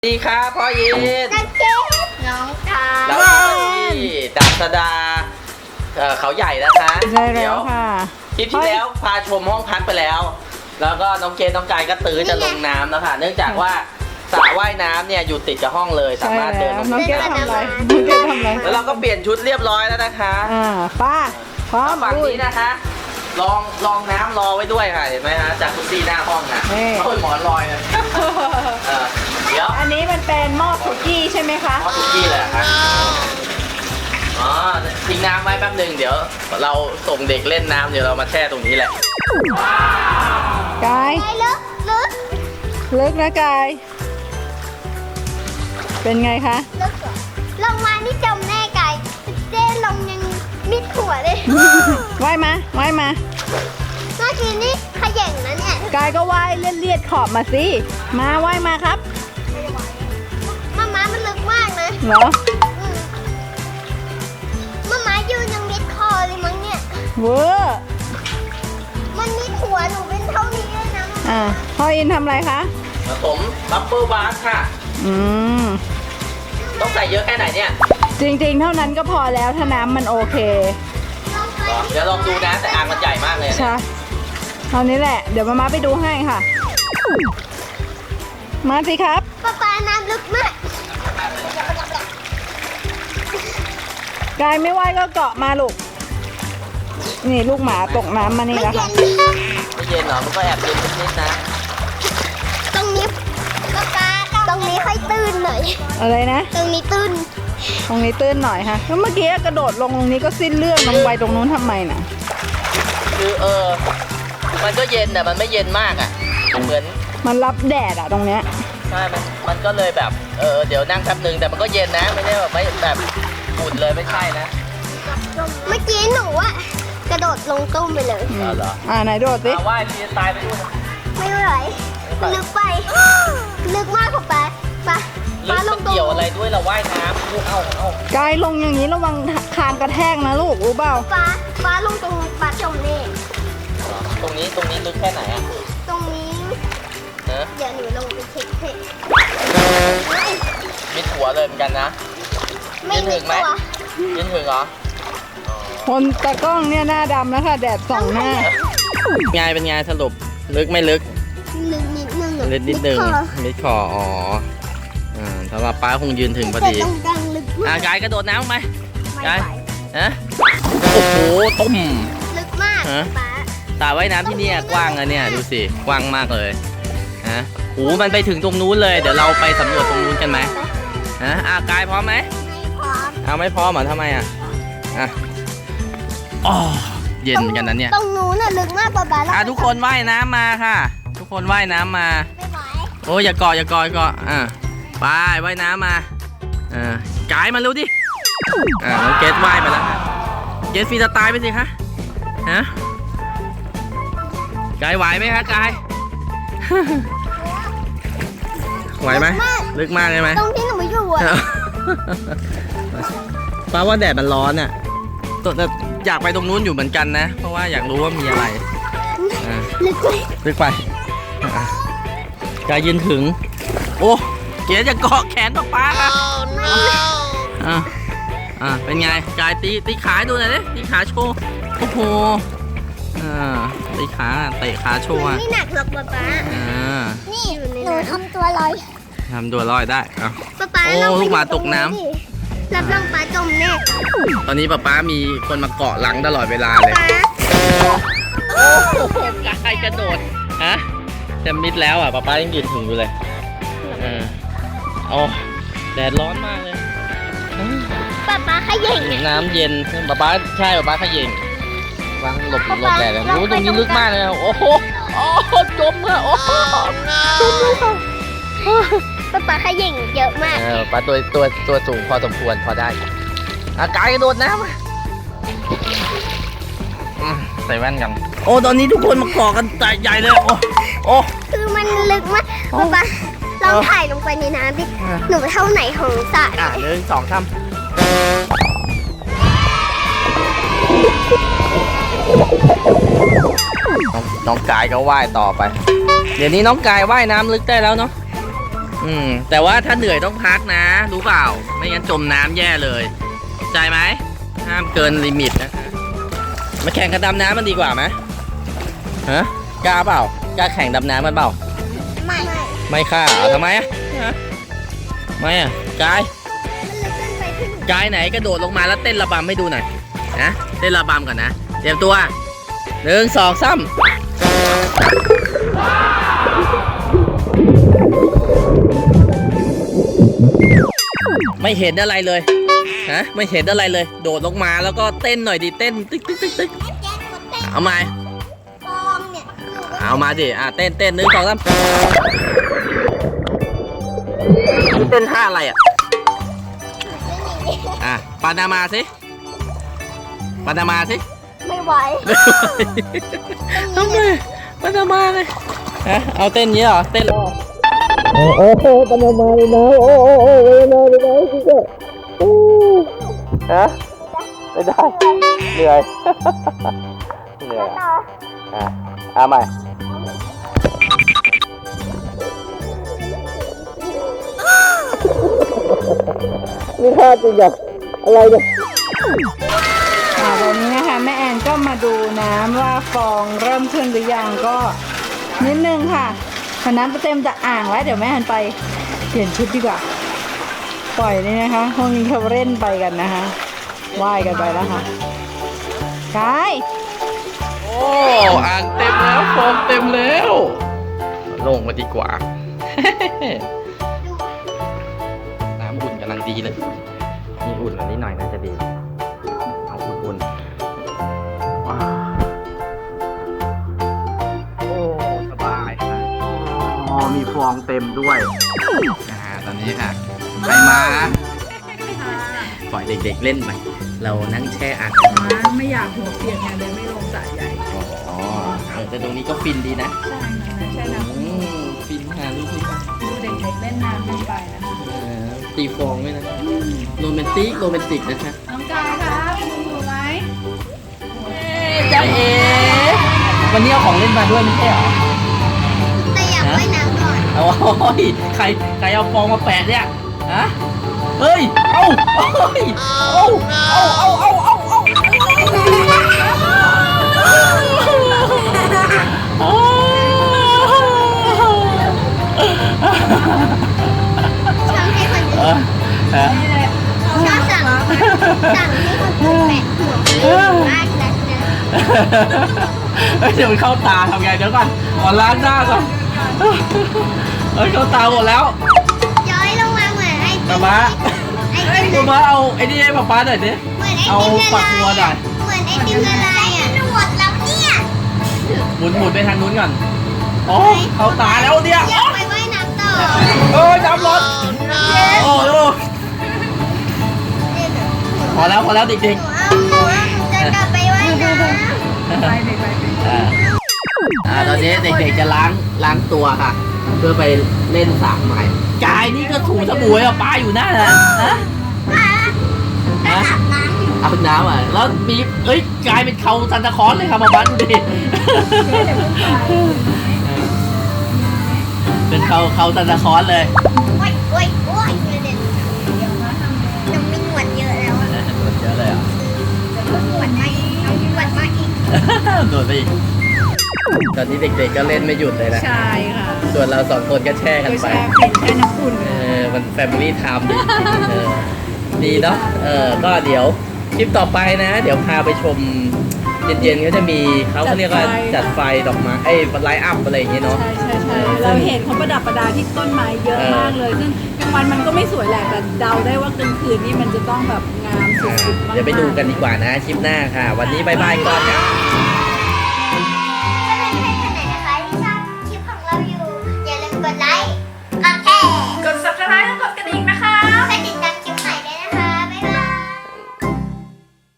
ดีครับพ่อยินนักเก็ตน้องตาเราที่ดาบสดาเขาใหญ่นะคะใช่แล้วค่ะคลิปที่แล้วพาชมห้องพักไปแล้ว แล้วก็น้องเกดน้องกายก็ตื้อจะลงน้ำแล้วค่ะเนื่องจากว่าสระว่ายน้ำเนี่ยอยู่ติดกับห้องเลยสามารถเดินลงน้องเกดทำอะไรน้องเกดทำอะไรแล้วเราก็เปลี่ยนชุดเรียบร้อยแล้วนะคะป้าพร้อมฝั่งนี้นะคะลองน้ำรอไว้ด้วยค่ะเห็นไหมฮะจากคุซี่หน้าห้องนะโอ้ยหมอนลอยเลยเดี๋ยวอันนี้มันเป็นหม้อสุกี้ใช่ไหมคะหม้อสุกี้เลยครับอ๋อทิ้งน้ำไว้แป๊บหนึ่งเดี๋ยวเราส่งเด็กเล่นน้ำเดี๋ยวเรามาแช่ตรงนี้แหละกายลึกนะกายเป็นไงคะลงมานี่จมแน่กายเจ๊ลงยังมิดหัวเลยว่ายมาเมื่อกี้นี่ขย่งนะเนี่ยกายก็ว่ายเลียดขอบมาสิมาว่ายมาครับม้ามันลึกมากนะเหรอม้ายืนยังมิดคอเลยมั้งเนี่ยเวอร์มันมิดหัวหนูเป็นเท่านี้เลยนะพ่ออินทำอะไรคะผมบับเบิ้ลบาร์ค่ะต้องใส่เยอะแค่ไหนเนี่ยจริงๆเท่านั้นก็พอแล้วถ้าน้ำมันโอเคเดี๋ยวลองดูนะแต่อ่างมันใหญ่มากเลยใช่เท่านี้แหละเดี๋ยวมาไปดูให้ค่ะมาสิครับป้าน้ำลึกมากกายไม่ว่ายก็เกาะมาลูกนี่ลูกหมาตกน้ำมานี่แล้วค่ะไม่เย็นหรอมันก็แอบเย็นนิดๆนะตรงนี้ตรงนี้ค่อยตื้นหน่อยอะไรนะตรงนี้ตื้นหน่อยค่ะแล้วเมื่อกี้กระโดดลงตรงนี้ก็สิ้นเรื่องลงไปตรงนู้นทำไมน่ะคือมันก็เย็นแต่มันไม่เย็นมากอ่ะเหมือนมันรับแดดอ่ะตรงเนี้ยใช่มันก็เลยแบบเดี๋ยวนั่งแป๊บนึงแต่มันก็เย็นนะไม่ได้แบบไม่แบบอุ่นเลยไม่ใช่นะเมื่อกี้หนูอะกระโดดลงตุ้มไปเลยเหรอไหนโดดสิว่ายทีตายไปด้วยไม่ไหวลึกไปลึกมากกว่าป้าลงเกี่ยวอะไรด้วยเราว่ายน้ำเอากายลงอย่างนี้ระวังคางกระแทกนะลูกรู้เปล่าป้าลงตรงป้าจมนี่ตรงนี้ลึกแค่ไหนอะตรงนี้เดี๋ยวหนูลงไปเช็คมิดหัวเลยเหมือนกันนะไม่ถึงไหมยินถึงเหรอคนตะกล้องเนี่ยหน้าดำแล้วค่ะแดดส่องหน้าเป็นไงสรุปลึกไม่ลึกลึกนิดนึงนิดนึงมิดคอสำหรับป้าคงยืนถึงพอดีกายกระโดดน้ำไปกายโอ้โหต้มลึกมากป้าสระว่ายน้ำที่นี่กว้างอะเนี่ยดูสิกว้างมากเลยโอ้มันไปถึงตรงนู้นเลยเดี๋ยวเราไปสำรวจตรงนู้นกันไหมกายพร้อมไหมไม่พร้อมเหรอทำไมเย็นกันนะเนี่ยตรงนู้นน่ะลึกมากป้าทุกคนว่ายน้ำมาค่ะทุกคนว่ายน้ำมาไม่ไหวโอ้อย่าเกาะไปว่ายน้ำมากายมาเร็วดิน้องเกดว่ายมาแล้วเกดฟรีสไตล์ไปสิคะกายไหวไหมคะกายไหวไหมลึกมากเลยไหมตรงที่หนูอยู่ป้าว่าแดดมันร้อนอ่ะแต่อยากไปตรงนู้นอยู่เหมือนกันนะเพราะว่าอยากรู้ว่ามีอะไรลึกไปกายยืนถึงโอ้เก๋จะเกาะแขนป้าเป็นไงกายตีขาดูหน่อยดิตีขาโชว์โอ้โหตีขาเตะขาโชว์ไม่หนักหรอกป้านี่หนูทำตัวลอยได้ป้าโอ้ลูกหมาตกน้ำรับรองป้าจมแน่ตอนนี้ป้ามีคนมาเกาะหลังตลอดเวลาเลยโอ้กายกระโดดจะมิดแล้วป้ายังยืนถึงอยู่เลยแดดร้อนมากเลยป้าขย่งน้ำเย็นป้าใช่ป้าขย่งวางหลบแดดเลยรู้ตรงนี้ลึกมากเลยโอ้โหจมอะโอ้จมเลยค่ะป้าขย่งเยอะมากป้าตัวสูงพอสมควรพอได้กายกระโดดน้ำใส่แว่นกันโอ้ตอนนี้ทุกคนมาเกาะกันใหญ่เลยโอ้คือมันลึกมากป้าลองถ่ายลงไปในน้ำดิหนูเท่าไหนของสระ 1 2 3น้องกายก็ว่ายต่อไปเดี๋ยวนี้น้องกายว่ายน้ำลึกได้แล้วเนาะแต่ว่าถ้าเหนื่อยต้องพักนะ รู้เปล่า ไม่งั้นจมน้ำแย่เลยเข้าใจไหมห้ามเกินลิมิตนะคะมาแข่งกันดำน้ำมันดีกว่าไหมฮะกล้าเปล่ากล้าแข่งดำน้ำมันเปล่าไม่ไม่ค่ะ ทำไมอ่ะไม่อ่ะกายมันลึกเกินไปที่หนูกายไหนกระโดดลงมาแล้วเต้นระบำให้ดูหน่อยนะเต้นระบำก่อนนะเตรียมตัว1 2 3ไม่เห็นอะไรเลยฮะไม่เห็นอะไรเลย โดดลงมาแล้วก็เต้นหน่อยดิเต้นตึ๊กตึ๊กตึ๊กตึ๊กแจ๊คกดเต้นเอามาฟองเนี่ยหนูก็เอามาดิเต้น1 2 3เต้นท่าอะไรปานามาสิปานามาสิไม่ไหวทำไมปานามาเลยฮะเอาเต้นนี้เหรอเต้นโอ้โหปานามาเลยนะโอ้ปานามาเลยนะพี่เจ้ฮะไม่ได้เหนื่อยเหนื่อยเอาใหม่นี่ท่าจริงแบบอะไรเนี่ยตอนนี้นะคะแม่แอนก็มาดูน้ำว่าฟองเริ่มขึ้นหรือยังก็นิดนึงค่ะพอน้ำเต็มจะอ่างแล้วเดี๋ยวแม่แอนไปเปลี่ยนชุดดีกว่าปล่อยนี่นะคะพวกนี้เขาเล่นไปกันนะคะว่ายกันไปแล้วค่ะกายโอ้อ่างเต็มแล้วโฟมเต็มแล้วลงมาดีกว่า น้ำอุ่นกำลังดีเลยนี่อุ่นอันนี้หน่อยน่าจะดีเอาอุ่นๆว้าวโอ้สบายค่ะมีฟองเต็มด้วยตอนนี้ค่ะใครมาปล่อยเด็กๆเล่นไปเรานั่งแช่อ่างไม่อยากหัวเปียกไงเลยไม่ลงสระใหญ่อ๋อแต่ตรงนี้ก็ฟินดีนะใช่ใช่น้ำฟินค่ะลูกพี่ค่ะดูเด็กๆเล่นน้ำกันไปนะคะตีฟองด้วยนะโรแมนติกนะคะน้องกายครับอยู่ไหมจ้าเอ๋วันนี้เอาของเล่นมาด้วยไม่ใช่เหรอแต่อยากว่ายน้ำก่อนโอ้ยใครเอาฟองมาแปะเนี่ยฮะเฮ้ยเอาชอบให้คนอื่นชอบสั่งให้คนอื่นแปะหัวมากนะเดี๋ยวมันเข้าตาทำไงเดี๋ยวก่อนขอล้างหน้าก่อนเข้าตาหมดแล้วย้อยลงมาเหมือนไอติมมาไอติมมาเอาไอ้นี่ให้ป๊าหน่อยดิเหมือนไอเอาติมละฝักลายบัวหน่อยเหมือนไอติมละลายอ่ะหมดแล้วเนี่ยหมุนไปทางนู้นก่อนโอ้เข้าตาแล้วเนี่ยอยากไปว่ายน้ำต่อน้ำร้อนโอ้โหพอแล้วเด็กหนูจะกลับไปว่ายน้ำไปเด็กไปๆตอนนี้เด็กๆจะล้างตัวค่ะ เพื่อไปเล่นสระใหม่กายนี่ก็ถูสบู่ป้าอยู่หน้านะฮะเอาน้ำแล้วมีกลายเป็นเขาซันตาคลอสเลยครับมาบ้านดูดิเป็นเขาซันตาคลอสเลยโอ้ยเด็ดน้องมีหนวดเยอะแล้วอะหมดเยอะเลยอ่ะหนวดมาอีกน้องหนวดมาอีกโดนไปอีกตอนนี้เด็กๆก็เล่นไม่หยุดเลยนะใช่ค่ะส่วนเราสองคนก็แช่กันไปแช่ปิ่นแช่น้ำอุ่นมันแฟมิลี่ไทม์ดีดีเนาะก็เดี๋ยวคลิปต่อไปนะ เดี๋ยวพาไปชมเย็นๆเขาจะมีเขาเรียกว่าจัดไฟดอกไม้ไลท์อัพอะไรอย่างเงี้ยเนาะใช่เราเห็นเขาประดับประดาที่ต้นไม้เยอะมากเลยซึ่งกลางวันมันก็ไม่สวยแหละแต่เดาได้ว่ากลางคืนนี่มันจะต้องแบบงามสุดๆมากๆเดี๋ยวไปดูกันดีกว่านะคลิปหน้าค่ะ วันนี้บายบายก่อนนะ